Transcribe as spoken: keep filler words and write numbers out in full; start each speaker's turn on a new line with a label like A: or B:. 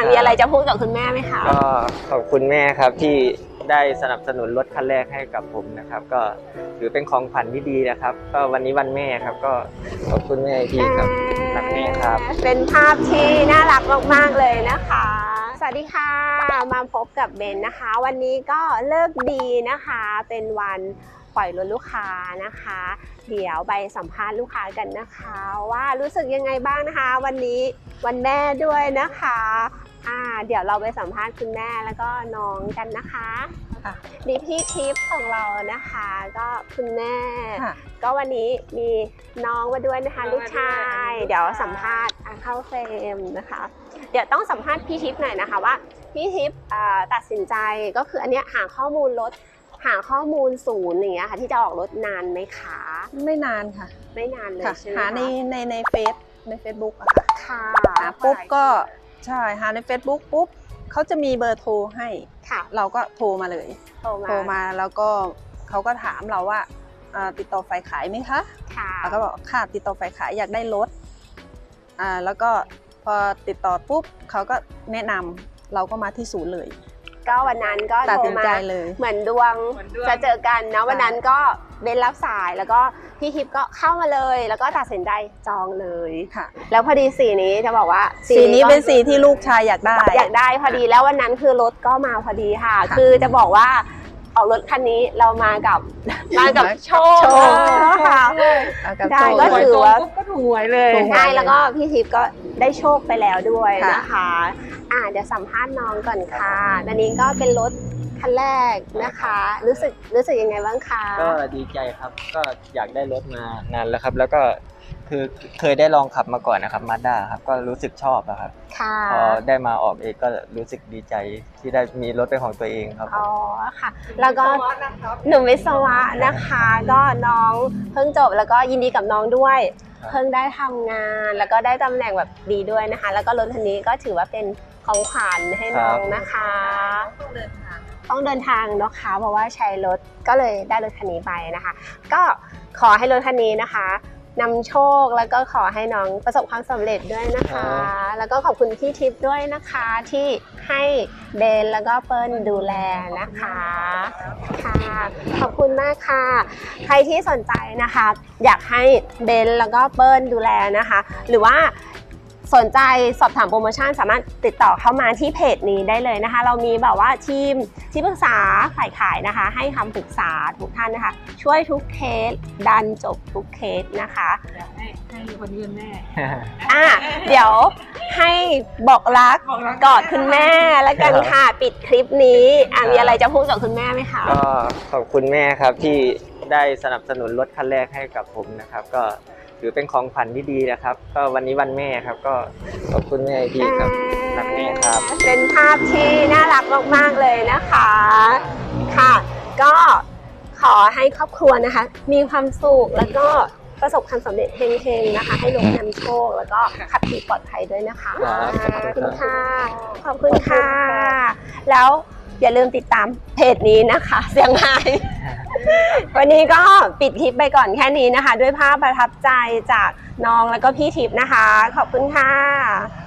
A: มีอะไรจะพูดกับคุณแม่ไหมคะ
B: ก็ขอบคุณแม่ครับที่ได้สนับสนุนรถคันแรกให้กับผมนะครับก็ถือเป็นของขวัญที่ดีนะครับก็วันนี้วันแม่ครับก็ขอบคุณแม่ที่ครับรักแม่ครับ
A: เป็นภาพที่น่ารักมากๆเลยนะคะสวัสดีค่ะมาพบกับเบนนะคะวันนี้ก็เลิกดีนะคะเป็นวันปล่อยรถลูกค้านะคะเดี๋ยวไปสัมภาษณ์ลูกค้ากันนะคะว่ารู้สึกยังไงบ้างนะคะวันนี้วันแม่ด้วยนะคะอ่าเดี๋ยวเราไปสัมภาษณ์คุณแม่แล้วก็น้องกันนะคะมีพี่ทิพย์ของเรานะคะก็คุณแม่ก็วันนี้มีน้องมาด้วยนะคะลูกชายเดี๋ยวสัมภาษณ์เข้าเฟรมนะคะเดี๋ยวต้องสัมภาษณ์พี่ทิพย์หน่อยนะคะว่าพี่ทิพย์ตัดสินใจก็คืออันเนี้ยหาข้อมูลรถหาข้อมูลศูนย์อย่างเงี้ยค่ะที่จะออกรถนานไหมคะ
C: ไม่นานค่ะ
A: ไม่นานเลยใช่ไหม
C: หาในในในเฟซในเฟซบุ๊กอะค่ะ
A: ค่ะ
C: หาปุ๊บก็ใช่หาใน Facebook ปุ๊บเขาจะมีเบอร์โทรให้
A: ค่ะ
C: เราก็โทรมาเลย
A: โทรมา
C: โทรมาแล้วก็เขาก็ถามเราว่าติดต่อฝ่ายขายไหมคะ
A: ค่ะ
C: เราก็บอกค่ะติดต่อฝ่ายขายอยากได้รถอ่าแล้วก็พอติดต่อปุ๊บเขาก็แนะนำเราก็มาที่ศูนย์เลย
A: ก็วันนั้นก็โทรมาเหมือนดวงจะเจอกันนะวันนั้นก็เบนรับสายแล้วก็พี่ทิพย์ก็เข้ามาเลยแล้วก็ตัดสินใจจองเลย
C: ค่ะ
A: แล้วพอดีสีนี้จะบอกว่า
C: สีนี้เป็นสีที่ลูกชายอยากได้
A: อยากได้พอดีแล้ววันนั้นคือรถก็มาพอดีค่ะคือจะบอกว่าออกรถคันนี้เรามากับมากับโชคค่ะได้ก็ถือว่า
C: ก็ถูกหวยเลย
A: ใช่แล้วก็พี่ทิพย์ก็ได้โชคไปแล้วด้วยนะคะอ่าเดี๋ยวสัมภาษณ์น้องก่อนค่ะอันนี้ก็เป็นรถคันแรกนะคะรู้สึกรู้สึกยังไงบ้างคะ
B: ก็ดีใจครับก็อยากได้รถมานานแล้วครับแล้วก็คือเคยได้ลองขับมาก่อนนะครับมาด้าครับก็รู้สึกชอบครับพอได้มาออกเองก็รู้สึกดีใจที่ได้มีรถเป็นของตัวเองครับ
A: อ๋อค่ะแล้วก็หนุ่มวิศวะนะคะก็น้องเพิ่งจบแล้วก็ยินดีกับน้องด้วยเพิ่งได้ทำงานแล้วก็ได้ตำแหน่งแบบดีด้วยนะคะแล้วก็รถคันนี้ก็ถือว่าเป็นของขวัญให้น้องนะคะต้องเดินทางต้องเดินทางเนาะค่ะเพราะว่าใช้รถก็เลยได้รถคันนี้ไปนะคะก็ขอให้รถคันนี้นะคะนำโชคแล้วก็ขอให้น้องประสบความสำเร็จด้วยนะคะแล้วก็ขอบคุณพี่ทิพย์ด้วยนะคะที่ให้เบนแล้วก็เปิ้ลดูแลนะคะค่ะขอบคุณมากค่ะใครที่สนใจนะคะอยากให้เบนแล้วก็เปิ้ลดูแลนะคะหรือว่าสนใจสอบถามโปรโมชั่นสามารถติดต่อเข้ามาที่เพจนี้ได้เลยนะคะเรามีแบบว่าทีมที่ปรึกษาฝ่ายขายนะคะให้คำปรึกษาทุกท่านนะคะช่วยทุกเคสดันจบทุกเคสนะคะ
C: อยากให้ให้คนยืนแม่
A: อ่ะเดี๋ยวให้บอกรักกอดคุณแม่แล้วกันค่ะปิดคลิปนี้อ่ะมีอะไรจะพูดกับคุณแม่ไหมคะ
B: ก็ขอบคุณแม่ครับที่ได้สนับสนุนรถคันแรกให้กับผมนะครับก็ถือเป็นของขวัญที่ดีนะครับก็วันนี้วันแม่ครับก็ขอบคุณแม่ที่ครับรักแม่ครับ
A: เป็นภาพที่น่ารักมากๆเลยนะคะค่ะก็ขอให้ครอบครัวนะคะมีความสุขแล้วก็ประสบความสำเร็จเฮงๆนะคะให้ลงนำโชคแล้วก็ขับขี่ปลอดภัยด้วยนะคะขอบคุณค่ะขอบคุณค่ะแล้วอย่าลืมติดตามเพจนี้นะคะเสียงไฮวันนี้ก็ปิดคลิปไปก่อนแค่นี้นะคะด้วยภาพประทับใจจากน้องแล้วก็พี่ทิพย์นะคะขอบคุณค่ะ